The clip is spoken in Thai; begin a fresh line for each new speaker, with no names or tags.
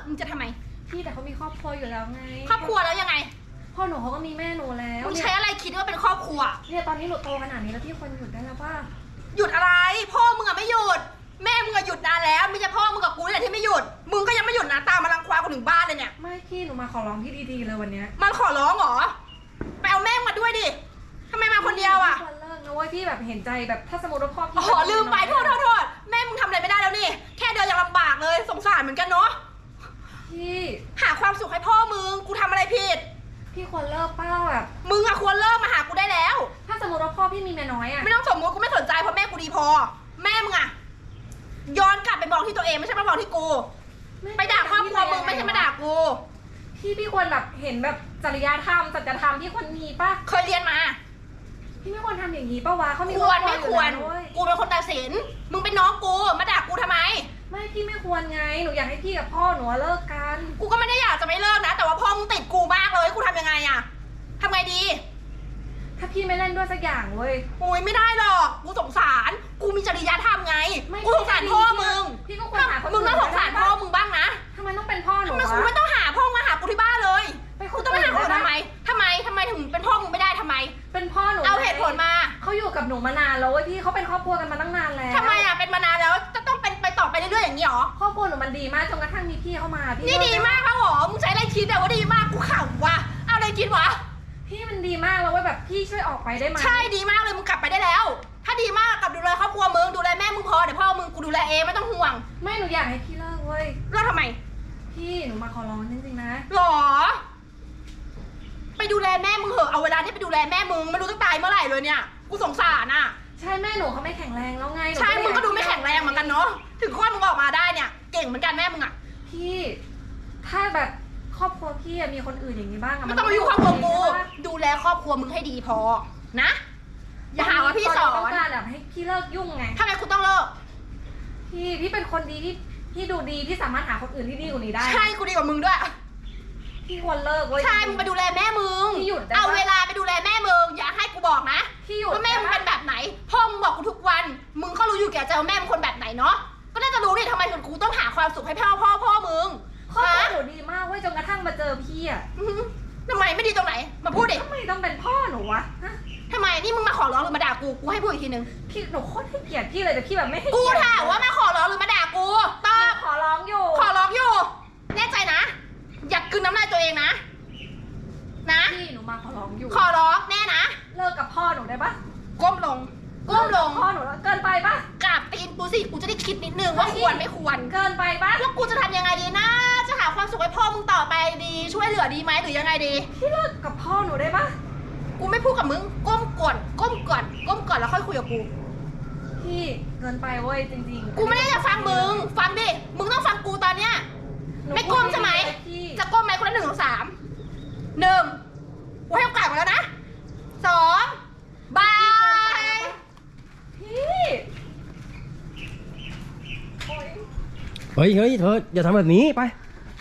มึงจะทำไม
พี่แต่เขามีครอบครัวอยู่แล้วไง
ครอบครัวแล้วยังไง
พ่อหนูเขาก็มีแม่หนูแล้ว
มึงใช้อะไรคิดว่าเป็นครอบครัว
เนี่ยตอนนี้หนูโตขนาดนี้แล้วพี่ควรหยุดได้แล้วป่ะ
หยุดอะไรพ่อมึงอะไม่หยุดแม่มึงอะหยุดนานแล้วไม่ใช่พ่อมึงกับกูนี่แหละที่ไม่หยุดมึงก็ยังไม่หยุดนะตามมารังควานกูถึงบ้านเลยเนี่ย
ไม่พี่หนูมาขอร้องพี่ดีๆเลยวันเนี้ย
มันขอร้องเหรอไปเอาแม่มาด้วยดิทำไมมาคนเดียวอะ
ควรเลิกนะเว้ยพี่แบบเห็นใจแบบถ้าสมมติว่าพ่อพี่
อ๋อลืมไปโทษแม่มึงทำอะไรไม่ได้แล้วนี่แค่เดินยังลำบากเลยสงสารเหมือนกันเนาะ
พี่
หาความสุขให้พ่อมึงกูทำอะไรผิด
พี่ควรเลิกเป้าแบบ
มึงอะควรเลิกมาหากูได้แล้ว
ถ้าสมมติว่าพ่อพี่มีเมียน้อยอะ
ไม่ต้องสมมติกูไม่สนใจเพราะแม่กูดีพอแม่มึงอะย้อนกลับไปมองที่ตัวเองไม่ใช่มามองที่กูไปด่าครอบครัวมึงไม่ใช่มาด่ากู
พี่ควรแบบเห็นแบบจริยธรรมสัจธรรมที่ควรมีป่ะ
เคยเรียนมา
พี่ไม่ควรทำอย่างนี้ป่ะวะเขามี
ควรไม่ควรกูเป็นคนตัดสินมึงเป็นน้องกูมาด่ากูทำไม
ไม่พี่ไม่ควรไงหนูอยากให้พี่กับพ่อหนูเลิกกัน
กูก็ไม่ได้อยากจะไม่เลิกนะแต่ว่าพ่อมึงติดกูมากเลยกูทำยังไงอะทำไงดี
ถ้าพี่ไม่เล่นด้วยสักอย่างเว้ย
โอ้ยไม่ได้หรอกกูสงสารกูมีจริยธรรมไงกูสงสารพ่อมึง
พี่ก็ควรหาคน
มึงต้องสงสารพ่อมึงบ้างนะ
ทำไมต้องเป็นพ่อหนู
ทำไมกูไม่ต้องหาพ่อมาหากูที่บ้านเลย
ไป
กูต้องไปหาคนทำไมถึงเป็นพ่อมึงไม่ได้ทำไม
เป็นพ่อหนู
เอาเหตุผลมา
เขาอยู่กับหนูมานานแล้วเว้ยพี่เขาเป็นครอบครัวกันมาตั้งนานแล้ว
ทำไมอะเป็นมานานแล้วจะต้องเป็นไปต่อไปเรื่อยๆอย่างนี้หรอ
ครอบครัวหนูมันดีมากจนกระทั่งมีพี่เข้ามาพี่
นี่ดีมากครับหรอมึงใช้อะไรคิดแต่ว่าดีมากกูขำว่ะเอาอะไรคิดวะ
พี่มันดีมากแล้วเว้ยแบบพี่ช่วยออกไปได้ไหม
ใช่ดีมากเลยมึงกลับไปได้แล้วถ้าดีมากกลับดูแลครอบครัวมึงดูแลแม่มึงพอเดี๋ยวพ่อมึงกูดูแลเองไม่ต้องห่วง
ไม่หนูอยากให้พี่เลิกเว้ย
เลิกทำไม
พี่หนูมาขอร้องจริงๆนะ
หรอไปดูแลแม่มึงเหอะเอาเวลาที่ไปดูแลแม่มึงไม่รู้จะตายเมื่อไหร่เลยเนี่ยกูสงสารอ่ะ
ใช่แม่หนูเขาไม่แข็งแรงแล้วไง
ใช่มึงก็ดูไม่แข็งแรงเหมือนกันเนาะถึงคลอดมึงออกมาได้เนี่ยเก่งเหมือนกันแม่มึงอ่ะ
พี่ถ้าแบบครอบครัวพี่มีคนอื่นอย่างนี้บ้างอะ
ไม่ต้องมาอยู่ครอบครัวกูดูแลครอบครัวมึงให้ดีพอนะอย่าหาว่าพี่สอน
ต้องการแบบให้พี่เลิกยุ่งไง
ทำไมกูต้องเลิก
พี่เป็นคนดีพี่ดูดีพี่สามารถหาคนอื่นที่ดีกว่านี้ได้
ใช่กูดีกว่ามึงด้วย
พี่ควรเลิกเว้ย
ใช่มึงไปดูแลแม่มึง
พี่หยุด
เอาเวลาไปดูแลแม่มึงอย่าให้กูบอกนะ
พี่หยุด
ว่าแม่มึงเป็นแบบไหนพ่อมึงบอกกูทุกวันมึงก็รู้อยู่แก่ใจว่าแม่มึงคนแบบไหนเนาะก็น่าจะรู้ดิทำไมกูต้องหาความสุขให้พ่อมึง
ครอบครัวหนูดีมากเว้ยจนกระทั่งมาเจอพี่อะ
ทำไมไม่ดีตรงไหนมาพูดดิ
ทำไมต้องเป็นพ่อหนูวะ
ทำไมนี่มึงมาขอร้องหรือมาด่ากูให้พูดอีกทีนึง
พี่หนูโคตรให้เกียรติพี่เลยแต่พี่แบบไม่ให้
กูถามว่ามาขอร้องหรือมาด่ากูตอบ
ขอร้องอยู่
แน่ใจนะอยากกลืนน้ำลายตัวเองนะ
พี่หนูมาขอร้องอยู่
ขอร้องแน่นะ
เลิกกับพ่อหนูได้ปะ
ก้มลง
พ่อหนูแล้วเกินไปปะ
กราบตีนกูสิกูจะได้คิดนิดนึงว่าควรไม่ควร
เกินไปปะ
แล้วกูจะทำยังไงดีนะจะหาความสุขให้พ่อมึงต่อไปดีช่วยเหลือดีไหมหรือยังไงดี
พี่เลิกกับพ่อหนูได้ปะ
กูไม่พูดกับมึงก้มก่อนแล้วค่อยคุยกับกู
พี่เกินไปเว้ยจริง
ๆกูไม่ได้จะฟังมึงฟังดิมึงต้องฟังกูตอนเนี้ยไม่ก้มใช่ไหมจะก้มไหมคนละ1 2 3 1กูให้โอกาสมาแล้วนะ2บาย
พี่
เฮ้ยเธออย่าทำแบบนี้ไป